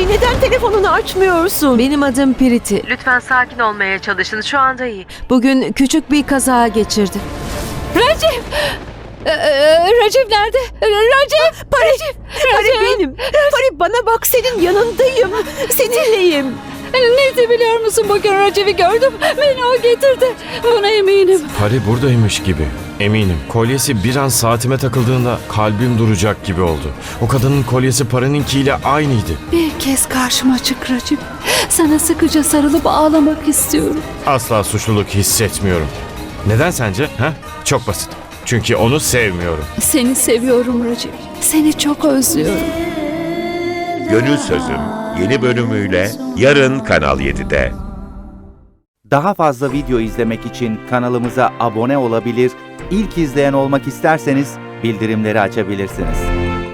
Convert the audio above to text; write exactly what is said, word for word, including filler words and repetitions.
neden telefonunu açmıyorsun? Benim adım Priti. Lütfen sakin olmaya çalışın. Şu anda iyi. Bugün küçük bir kaza geçirdi. Recep! Ee, Recep nerede? Recep! Pari, Recep! Pari benim. Pari bana bak, senin yanındayım. Seninleyim. Neydi biliyor musun, bugün Recep'i gördüm. Beni o getirdi. Buna eminim. Pari buradaymış gibi. Eminim. Kolyesi bir an saatime takıldığında kalbim duracak gibi oldu. O kadının kolyesi Pari'ninkiyle aynıydı. Bir kez karşıma çık Recep. Sana sıkıca sarılıp ağlamak istiyorum. Asla suçluluk hissetmiyorum. Neden sence? Ha? Çok basit. Çünkü onu sevmiyorum. Seni seviyorum Recep. Seni çok özlüyorum. Gönül Sözüm yeni bölümüyle yarın Kanal yedide. Daha fazla video izlemek için kanalımıza abone olabilir, ilk izleyen olmak isterseniz bildirimleri açabilirsiniz.